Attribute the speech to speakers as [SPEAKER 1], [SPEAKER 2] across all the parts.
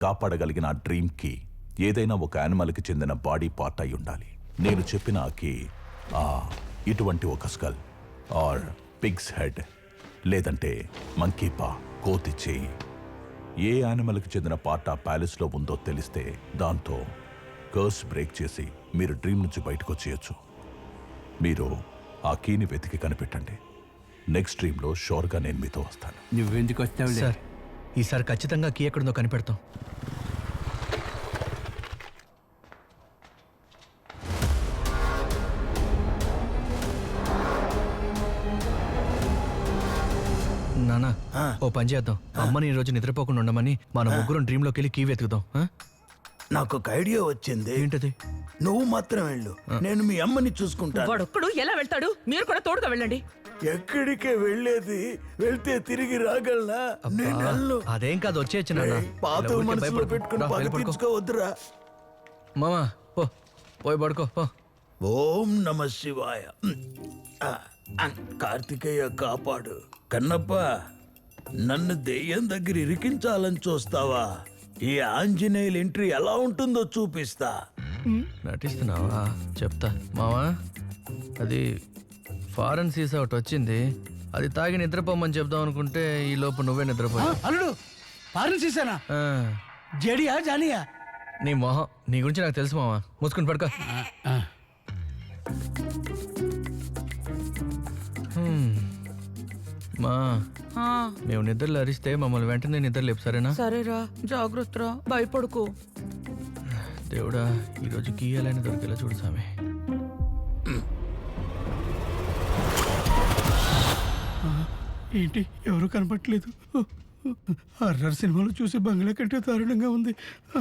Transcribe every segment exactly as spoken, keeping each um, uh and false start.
[SPEAKER 1] కాపాడగలిగిన ఆ డ్రీమ్ కి ఏదైనా ఒక యానిమల్కి చెందిన బాడీ పార్ట్ అయి ఉండాలి. నేను చెప్పిన ఆ కీ ఆ ఇటువంటి ఒక స్కల్ ఆర్ పిగ్స్ హెడ్ లేదంటే మంకీ పా, కోతి చేయి, ఏ యానిమల్కి చెందిన పార్ట్ ఆ ప్యాలెస్లో ఉందో తెలిస్తే దాంతో కర్స్ బ్రేక్ చేసి మీరు డ్రీమ్ నుంచి బయటకు వచ్చేయచ్చు. మీరు ఆ కీని వెతికి కనిపెట్టండి. నెక్స్ట్ డ్రీమ్లో షోర్గా నేను మీతో వస్తాను.
[SPEAKER 2] నువ్వెందుకు వస్తావు
[SPEAKER 3] సార్? ఈసారి ఖచ్చితంగా కీ ఎక్కడుందో కనిపెడతాం. నానా, ఓ పని చేద్దాం. అమ్మని ఈ రోజు నిద్రపోకుండా ఉండమని మన ముగ్గురం డ్రీమ్ లోకి వెళ్ళి కీ వెతుకుదాం.
[SPEAKER 4] నాకు ఒక ఐడియా వచ్చింది.
[SPEAKER 3] ఏంటది?
[SPEAKER 4] నువ్వు మాత్రం వెళ్ళు, నేను మీ అమ్మని చూసుకుంటాను.
[SPEAKER 5] వాడొక్కడు ఎలా వెళ్తాడు? మీరు కూడా తోడుగా వెళ్ళండి.
[SPEAKER 4] ఎక్కడికే వెళ్ళేది? వెళ్తే తిరిగి రాగలనా? నేను వెళ్ళను.
[SPEAKER 3] అదేం కాదు, వచ్చేయచ్చు నాన్న.
[SPEAKER 4] పాత మనసులో పెట్టుకుని పగ తీర్చుకోవద్దురా.
[SPEAKER 3] మామా పో, పోయి పడుకో పో.
[SPEAKER 4] ఓం నమ శివాయ. కార్తికేయ కాపాడు. కన్నప్ప, నన్ను దెయ్యం దగ్గర ఇరికించాలని చూస్తావా? ఈ ఆంజనేయుల ఎంట్రీ ఎలా ఉంటుందో చూపిస్తా.
[SPEAKER 3] నటిస్తున్నావా? చెప్తా మావా. అది ఫారెన్ సీసా ఒకటి వచ్చింది, అది తాగి నిద్రపోమని చెప్దాం అనుకుంటే ఈ లోపు నువ్వే నిద్రపోయా.
[SPEAKER 2] అల్లుడు ఫారెన్ సీసానా? జడియా జానియా?
[SPEAKER 3] నీ మొహం, నీ గురించి నాకు తెలుసు మావా. మూసుకుని పడుకో. మా మేము నిద్రలు అరిస్తే మమ్మల్ని వెంటనే నిద్ర లేపు, సరేనా?
[SPEAKER 5] సరేరా, జాగ్రత్తరా, భయపడుకో.
[SPEAKER 3] దేవుడా, ఈరోజు గీయాలని దొరికేలా చూడు సామి.
[SPEAKER 2] ఏంటి ఎవరు కనపట్లేదు? హర్రర్ సినిమాలు చూసి బంగ్లా కంటే దారుణంగా ఉంది.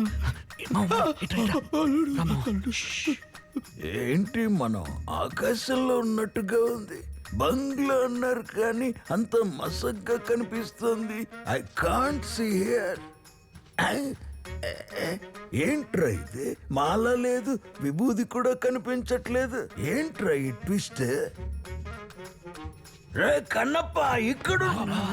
[SPEAKER 4] ఏంటి మనం ఆకాశంలో ఉన్నట్టుగా ఉంది. బంగ్లా అన్నారు కానీ అంత మసగ్గా కనిపిస్తుంది. I can't see here. ఏంట్రా ఇది? మాల లేదు, విభూది కూడా కనిపించట్లేదు. ఏంట్రా ఈ ట్విస్ట్? రే కన్నప్ప, ఇక్కడ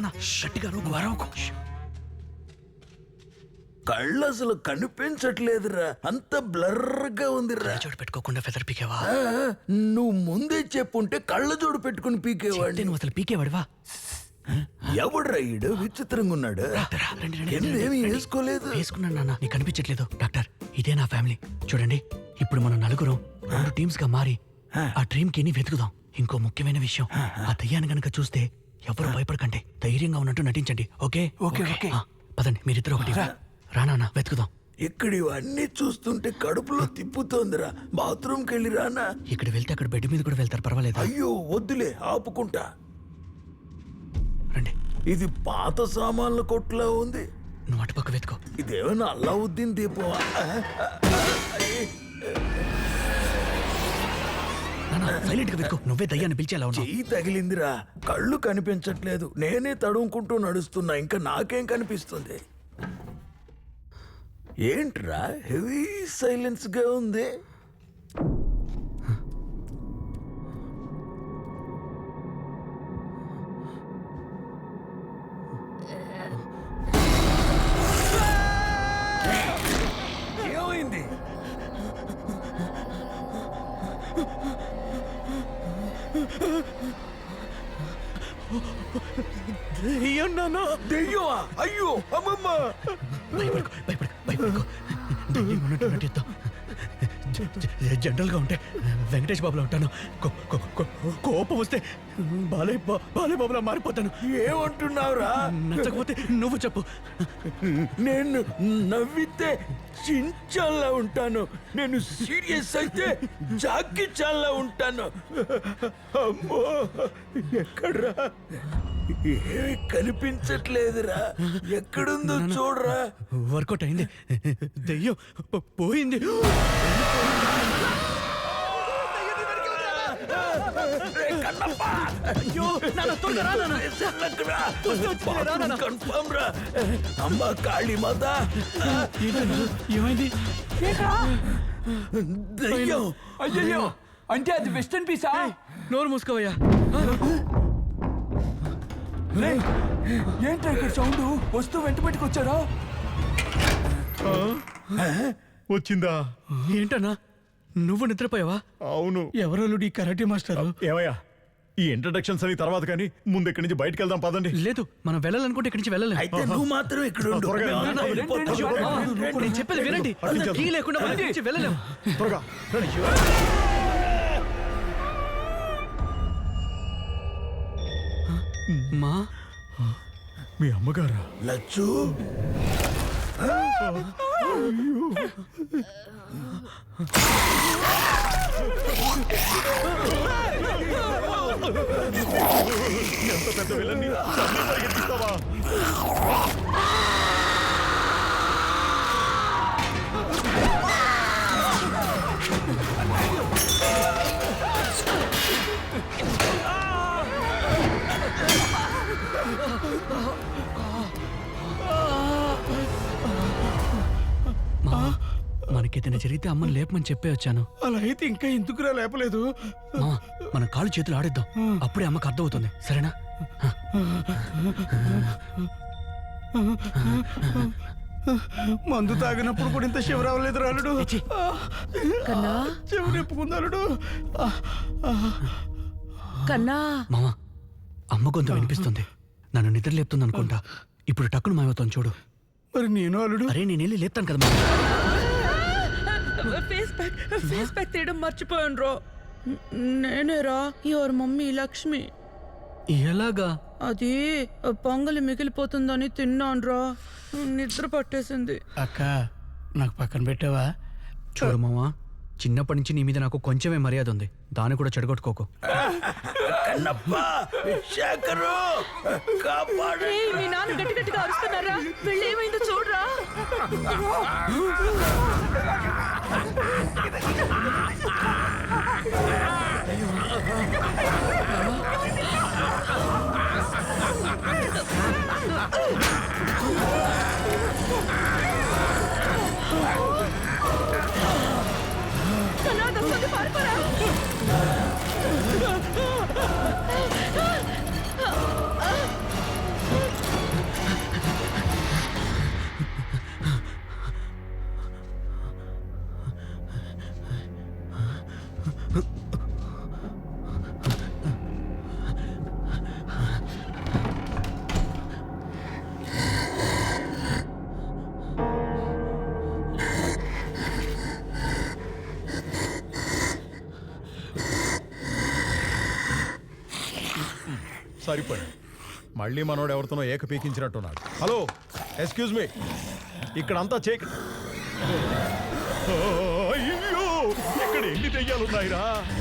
[SPEAKER 4] కళ్ళు అసలు కనిపించట్లేదురా, అంత బ్లర్గా ఉందిరా.
[SPEAKER 3] చోటు పెట్టుకోకుండా ఫెదర్ పీకేవా?
[SPEAKER 4] నువ్వు ముందే చెప్పుంటే కళ్ళ జోడు పెట్టుకుని పీకేవాడి.
[SPEAKER 3] నువ్వు అసలు పీకేవాడివా?
[SPEAKER 4] ఎవడ్రా ఈడు? విచిత్రంగా ఉన్నాడు. ఏమీ వేసుకోలేదు.
[SPEAKER 3] వేసుకున్నాను నాన్న, నీకు కనిపించట్లేదు. డాక్టర్, ఇదే నా ఫ్యామిలీ. చూడండి, ఇప్పుడు మనం నలుగురం రెండు టీమ్స్ గా మారి ఆ డ్రీమ్ కి వెతుకుదాం. ఇంకో ముఖ్యమైన విషయం, ఆ దయ్యాన్ని గనక చూస్తే ఎవరు భయపడకండి, ధైర్యంగా ఉన్నట్టు నటించండి. Okay
[SPEAKER 2] okay okay.
[SPEAKER 3] పదండి, మీరిద్దరు ఒకటి రానా వెతుకుదాం.
[SPEAKER 4] ఇక్కడ ఇవన్నీ చూస్తుంటే కడుపులో తిప్పుతోందిరా. బాత్రూమ్కి వెళ్ళి రానా?
[SPEAKER 3] ఇక్కడ వెళ్తే అక్కడ బెడ్ మీద కూడా వెళ్తారు, పర్వాలేదు.
[SPEAKER 4] అయ్యో వద్దులే, ఆపుకుంటా.
[SPEAKER 3] రండి.
[SPEAKER 4] ఇది పాత సామాన్ల కొట్టులా ఉంది.
[SPEAKER 3] నువ్వు అటుపక్క వెతుకో.
[SPEAKER 4] ఇదేమన్నా అల్లావుద్దీన్ దీపం?
[SPEAKER 3] సైలెంట్ గా వెతుకో, నువ్వే దయ్యాన్ని పిలిచేలా ఉన్నావు.
[SPEAKER 4] చెయ్యి తగిలిందిరా, కళ్ళు కనిపించట్లేదు. నేనే తడుముకుంటూ నడుస్తున్నా, ఇంకా నాకేం కనిపిస్తుంది? ఏంట్రా హెవీ సైలెన్స్ గా ఉంది? ఏమైంది?
[SPEAKER 3] దెయ్యం నాన్న.
[SPEAKER 4] దెయ్యమా? అయ్యో అమ్మమ్మ.
[SPEAKER 3] భయపడుకో భయపడుకో భయపడుకో. దెయ్యం ఉన్నట్టు నటిద్దాం. జనరల్ గా ఉంటే వెంకటేష్ బాబులో ఉంటాను, కోపం వస్తే బాలయ్య బాలయ్య బాబులా మారిపోతాను.
[SPEAKER 4] ఏమంటున్నావురా?
[SPEAKER 3] నచ్చకపోతే నువ్వు చెప్పు.
[SPEAKER 4] నేను నవ్వితే చించాలా ఉంటాను, నేను సీరియస్ అయితే జాకి చాలా ఉంటాను. అమ్మో, ఎక్కడ్రా? ఏమి కనిపించట్లేదురా. ఎక్కడుందో చూడరా.
[SPEAKER 3] వర్కౌట్ అయింది, దెయ్యం పోయింది.
[SPEAKER 4] అమ్మా కాళీ మాత,
[SPEAKER 2] ఏమైంది?
[SPEAKER 4] దెయ్యం.
[SPEAKER 2] అయ్యో, అంటే అది వెస్టర్న్ పీసా?
[SPEAKER 3] నోరు మూసుకోవయ్యా.
[SPEAKER 2] ఏంట్రా ఇక్కడ సౌండ్? వస్తూ వెంట పెట్టుకొచ్చారా?
[SPEAKER 6] వచ్చిందా?
[SPEAKER 3] ఏంటన్నా నువ్వు నిద్రపోయావా?
[SPEAKER 6] అవును.
[SPEAKER 2] ఎవరల్లుడు ఈ కరాటే మాస్టరు?
[SPEAKER 6] ఏమయ్యా, ఈ ఇంట్రడక్షన్స్ అని తర్వాత కానీ ముందు ఇక్కడి నుంచి బయటకు వెళ్దాం పదండి.
[SPEAKER 3] లేదు మనం వెళ్ళాలనుకుంటే ఇక్కడి నుంచి వెళ్ళలేం.
[SPEAKER 4] అయితే నువ్వు మాత్రం ఇక్కడ ఉండు.
[SPEAKER 6] త్వరగా రండి.
[SPEAKER 4] మేము వెళ్ళిపోతాం.
[SPEAKER 3] మామ, నేను చెప్పేది వినండి. కీ లేకుండా మనం ఇక్కడి నుంచి వెళ్ళలేం.
[SPEAKER 6] త్వరగా రండి.
[SPEAKER 3] మా
[SPEAKER 6] మీ అమ్మగారా?
[SPEAKER 4] లచ్చు
[SPEAKER 6] ఎంత పెద్ద విలన్ని చంపి పరిగెత్తిస్తావా?
[SPEAKER 3] మా మనకేదైనా జరిగితే అమ్మని లేపమని చెప్పే వచ్చాను.
[SPEAKER 2] అలా అయితే ఇంకా ఎందుకురా లేపలేదు?
[SPEAKER 3] మా మన కాళ్ళు చేతులు ఆడిద్దాం, అప్పుడే అమ్మకు అర్థమవుతుంది. సరేనా?
[SPEAKER 2] మందు తాగినప్పుడు కూడా ఇంత శివ రావలేదు రాలుడు.
[SPEAKER 5] కన్నా
[SPEAKER 2] చెవి నిప్పుకుందాలుడు.
[SPEAKER 5] కన్నా
[SPEAKER 3] మామ అమ్మ గొంతు వినిపిస్తుంది, నన్ను నిద్ర లేపుతుంది అనుకుంటా. ఇప్పుడు టక్కును మాయవుతాను చూడు.
[SPEAKER 2] మరి నేను అల్లుడు
[SPEAKER 3] అరే నేను వెళ్ళి లేపుతాను కదా మామ.
[SPEAKER 5] ఫేస్ ప్యాక్ ఫేస్ ప్యాక్ తీయడం మర్చిపోయాను రో. నేనేరా యువర్ మమ్మీ లక్ష్మి.
[SPEAKER 3] ఎలాగా?
[SPEAKER 5] అది పొంగలి మిగిలిపోతుందని తిన్నాను రా, నిద్ర పట్టేసింది.
[SPEAKER 2] అక్క నాకు పక్కన పెట్టావా?
[SPEAKER 3] చూడు మామ, చిన్నప్పటి నుంచి నీ మీద నాకు కొంచెమే మర్యాద ఉంది, దాన్ని కూడా చెడగొట్టుకోకు.
[SPEAKER 4] కన్నప్ప, శేఖరు, కాపాడు.
[SPEAKER 5] ఏయ్, మీ నాన్న గట్టి గట్టిగా అరుస్తున్నారా? వెళ్ళి ఏమైందో చూడరా. కన్నా, దొంగది పారిపోరా.
[SPEAKER 6] సరిపోయి మళ్ళీ మనోడు ఎవరితోనో ఏక పీకించినట్టున్నాడు. హలో, ఎక్స్క్యూజ్ మీ, ఇక్కడంతా చేక. అయ్యో, ఇక్కడ ఎన్ని దెయ్యాలున్నాయిరా?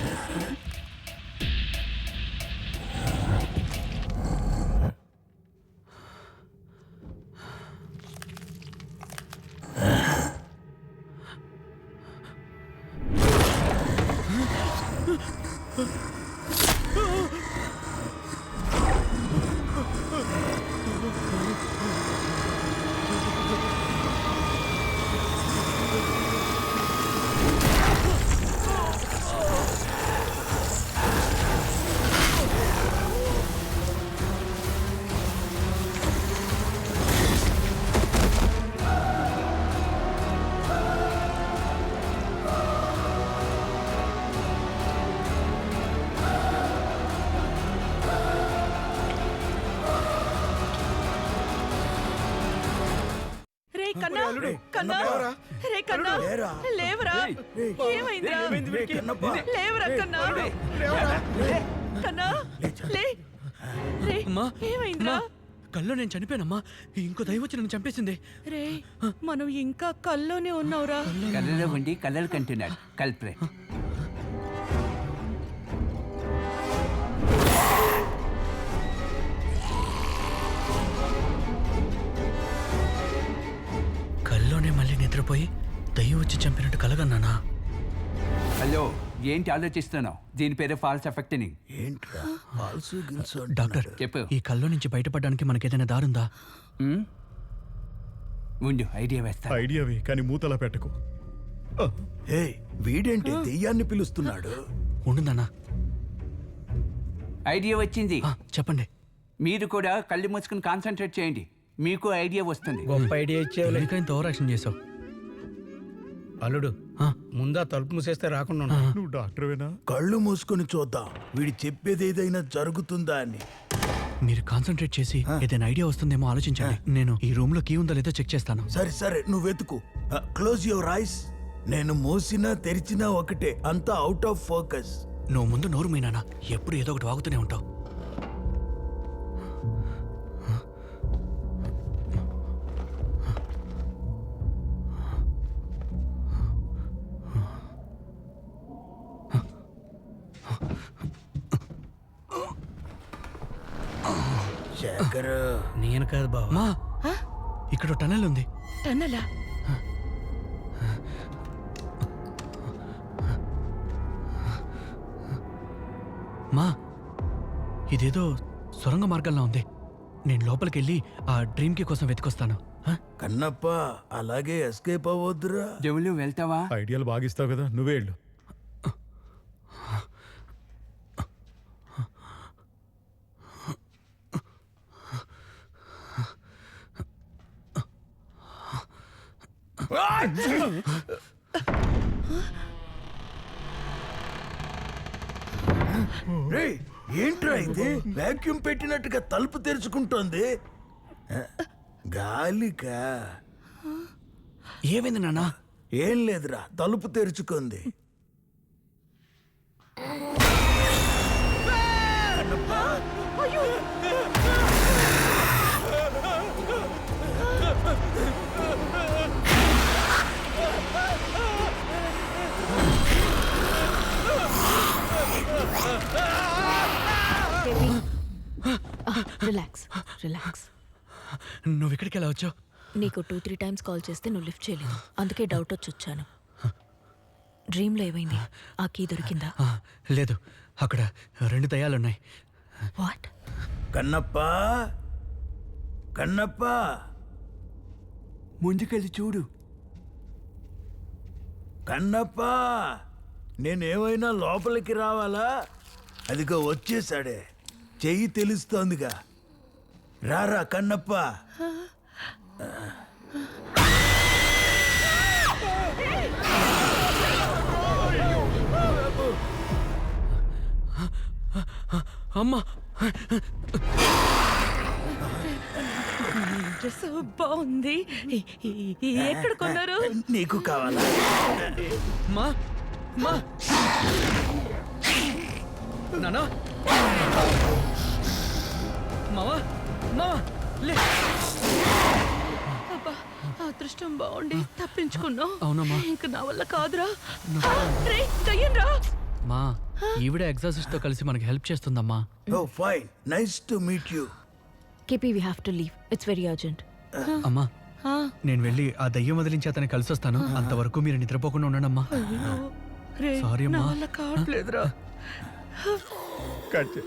[SPEAKER 5] కన్నా కన్నా రే కన్నా లేవరా. ఏమైందిరా? లేవరా కన్నా. కన్నా లే. రే
[SPEAKER 3] అమ్మా,
[SPEAKER 5] ఏమైందిరా?
[SPEAKER 3] కల్లో నేను చనిపోయానమ్మా, ఇంకో దైవం వచ్చి నన్ను చంపేసింది.
[SPEAKER 5] రే మనం ఇంకా కల్లోనే ఉన్నావురా.
[SPEAKER 7] కళ్ళలో ఉండి కళ్ళలు కంటున్నాడు కల్ప్రేట్.
[SPEAKER 3] కల్లోనే మళ్ళీ నిద్రపోయి దయ్యం వచ్చి చంపినట్టు కలగన్నానా?
[SPEAKER 7] హలో, ఏంటి ఆలోచిస్తున్నావు? దీని పేరే ఫాల్స్ ఎఫెక్టింగ్.
[SPEAKER 4] ఏంట్రా పాల్సు గిల్సు
[SPEAKER 3] డాక్టర్
[SPEAKER 7] చెప్పు.
[SPEAKER 3] ఈ కల్లో నుంచి బయటపడడానికి మనకేదైనా దారుందా?
[SPEAKER 7] ఉమ్? ఉండు, ఐడియా వేస్తా.
[SPEAKER 6] ఐడియావి, కానీ మూతలా పెట్టకు.
[SPEAKER 4] హే, వీడేంటి దెయ్యాన్ని పిలుస్తున్నాడు?
[SPEAKER 3] ఉండుందన్నా.
[SPEAKER 7] ఐడియా వచ్చింది.
[SPEAKER 3] ఆ, చెప్పండి.
[SPEAKER 7] మీరు కూడా కళ్ళు మూసుకుని కాన్సన్ట్రేట్ చేయండి, మీకు ఐడియా వస్తుంది.
[SPEAKER 2] గొప్ప ఐడియా ఇచ్చేవాళ్ళు.
[SPEAKER 3] ఎందుకంత ఓవర్ యాక్షన్ చేసావు?
[SPEAKER 2] అల్లుడు
[SPEAKER 3] ఆ,
[SPEAKER 2] ముందా తలుపు మూసేస్తే రాకుండా ఉండు.
[SPEAKER 6] నువ్వు డాక్టర్వేనా?
[SPEAKER 4] కళ్ళు మూసుకొని చూద్దాం వీడి చెప్పేది ఏదైనా జరుగుతుందా అని.
[SPEAKER 3] మీరు కాన్సన్ట్రేట్ చేసి ఏదైనా ఐడియా వస్తుందేమో ఆలోచించండి. నేను ఈ రూమ్ లో కీ ఉందో లేదో చెక్ చేస్తాను.
[SPEAKER 4] సరే సరే నువ్వు వెతుకు. Close your eyes. నేను మూసినా తెరిచినా ఒకటే, అంతా అవుట్ ఆఫ్ ఫోకస్.
[SPEAKER 3] నువ్వు ముందు నోరు మీనానా, ఎప్పుడు ఏదో ఒకటి వాగుతూనే ఉంటావు.
[SPEAKER 4] శేఖర్,
[SPEAKER 2] నేను కాదు బావా.
[SPEAKER 3] మా ఇక్కడ టనల్ ఉంది.
[SPEAKER 5] టన్నలా?
[SPEAKER 3] మా ఇదేదో సొరంగ మార్గంలో ఉంది. నేను లోపలికి వెళ్ళి ఆ డ్రీమ్ కి కోసం వెతికొస్తాను. ఆ?
[SPEAKER 4] కన్నప్ప అలాగే ఎస్కేప్ అవ్వద్దురా.
[SPEAKER 7] జవులు వెళ్తావా?
[SPEAKER 6] ఐడియాలు బాగిస్తావు కదా, నువ్వే వెళ్ళు.
[SPEAKER 4] రేయ్, ఏంట్రా ఇది? వాక్యూమ్ పెట్టినట్టుగా తలుపు తెరుచుకుంటోంది. గాలికా?
[SPEAKER 3] ఏమైంది నాన్నా?
[SPEAKER 4] ఏం లేదురా, తలుపు తెరుచుకుంది.
[SPEAKER 8] Relax relax.
[SPEAKER 3] నువ్వు ఇక్కడికి ఎలా వచ్చావు?
[SPEAKER 8] నీకు టూ త్రీ టైమ్స్ కాల్ చేస్తే నువ్వు లిఫ్ట్ చేయలేదు, అందుకే డౌట్ వచ్చి వచ్చాను. డ్రీమ్లో ఏమైంది? ఆ కీ దొరికిందా?
[SPEAKER 3] ఆ, లేదు, అక్కడ రెండు దయ్యాలున్నాయి.
[SPEAKER 8] వాట్?
[SPEAKER 4] కన్నప్ప, కన్నప్ప,
[SPEAKER 7] ముందుకెళ్ళి చూడు.
[SPEAKER 4] కన్నప్ప, నేనేమైనా లోపలికి రావాలా? అదిగో వచ్చేసాడే, చెయ్యి తెలుస్తోందిగా. రారా కన్నప్ప.
[SPEAKER 3] అమ్మా,
[SPEAKER 5] డ్రెస్ బాగుంది. ఈ- ఈ- ఈ ఎక్కడ కొన్నారు?
[SPEAKER 4] నీకు కావాలా?
[SPEAKER 3] మా మా నానా, మావా, మావా, లే.
[SPEAKER 5] అబ్బా, అదృష్టం బాగుండి తప్పించుకున్నావు.
[SPEAKER 3] అవునమ్మా.
[SPEAKER 5] ఇంక నా వల్ల కాదురా. రే, దయ్యంరా.
[SPEAKER 3] మా ఈవిడ ఎగ్జాసిస్ట్ తో కలిసి మనకి హెల్ప్ చేస్తుందమ్మా.
[SPEAKER 4] Oh fine, nice to meet you.
[SPEAKER 8] కేపీ we have to leave, it's very urgent.
[SPEAKER 3] అమ్మా,
[SPEAKER 5] ఆ,
[SPEAKER 3] నేను వెళ్ళి ఆ దయ్యం వదిలించి అతన్ని కలిసి వస్తాను. అంతవరకు మీరు నిద్రపోకుండా ఉండండి అమ్మా.
[SPEAKER 5] అయ్యో, రే,
[SPEAKER 3] Sorry,
[SPEAKER 5] నా
[SPEAKER 3] అమ్మా.
[SPEAKER 5] వల్ల కావట్లేదురా.
[SPEAKER 6] కట్ చే.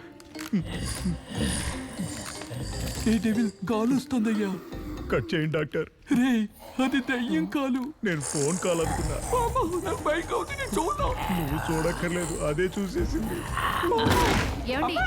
[SPEAKER 3] కాలుస్తుందయ్యా.
[SPEAKER 6] కట్ చేయండి డాక్టర్.
[SPEAKER 3] రే, అది దయ్యం కాలు.
[SPEAKER 6] నేను ఫోన్ కాల్ అనుకున్నా. నువ్వు చూడక్కర్లేదు, అదే చూసేసింది.
[SPEAKER 8] ఏమండి?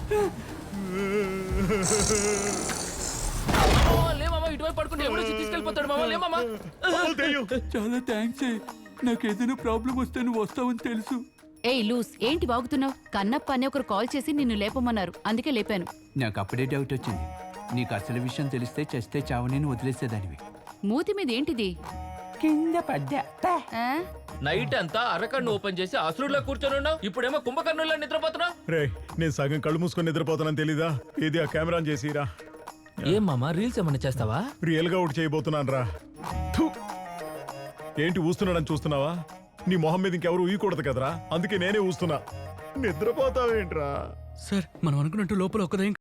[SPEAKER 9] ఇటువైపు పడుకుంటే ఎవడో తీసుకెళ్ళిపోతాడు మామ. లేమమ్మా.
[SPEAKER 3] చాలా థ్యాంక్స్. నాకు ఏదైనా ప్రాబ్లం వస్తే నువ్వు వస్తావని తెలుసు.
[SPEAKER 8] ఏయ్ లూస్, ఏంటి వాగుతున్నావు? కన్నప్ప అనే ఒకరు కాల్ చేసి నిన్ను లేపమన్నారు, అందుకే లేపాను.
[SPEAKER 7] నాకు అప్పుడే డౌట్ వచ్చింది. నీకు అసలు విషయం తెలిస్తే చస్తే చావని వదిలేసేదానివి.
[SPEAKER 8] మూతి మీద ఏంటిది?
[SPEAKER 7] కింద పడ్డా.
[SPEAKER 8] ఆ?
[SPEAKER 9] నైట్ అంతా అరకన్ను ఓపెన్ చేసి అసురులో కూర్చొని ఉన్నావు. ఇప్పుడేమో కుంభకర్ణుల్లో నిద్రపోతున్నావు.
[SPEAKER 6] రే, నేను సగం కళ్ళు మూసుకొని నిద్రపోతానని తెలీదా? ఇది ఆ కెమెరా చేసిరా.
[SPEAKER 9] ఏం మామా, రీల్స్ ఏమన్నా చేస్తావా?
[SPEAKER 6] రియల్ గా ఒకటి చేయబోతున్నాను రా. థు. ఏంటి ఊస్తున్నాడని చూస్తున్నావా? నీ మొహం మీద ఇంకెవరు ఊయకూడదు కదరా, అందుకే నేనే ఊస్తున్నా. నిద్రపోతావేంట్రా?
[SPEAKER 3] సార్, మనం అనుకున్నట్టు లోపల ఒక దయ్యం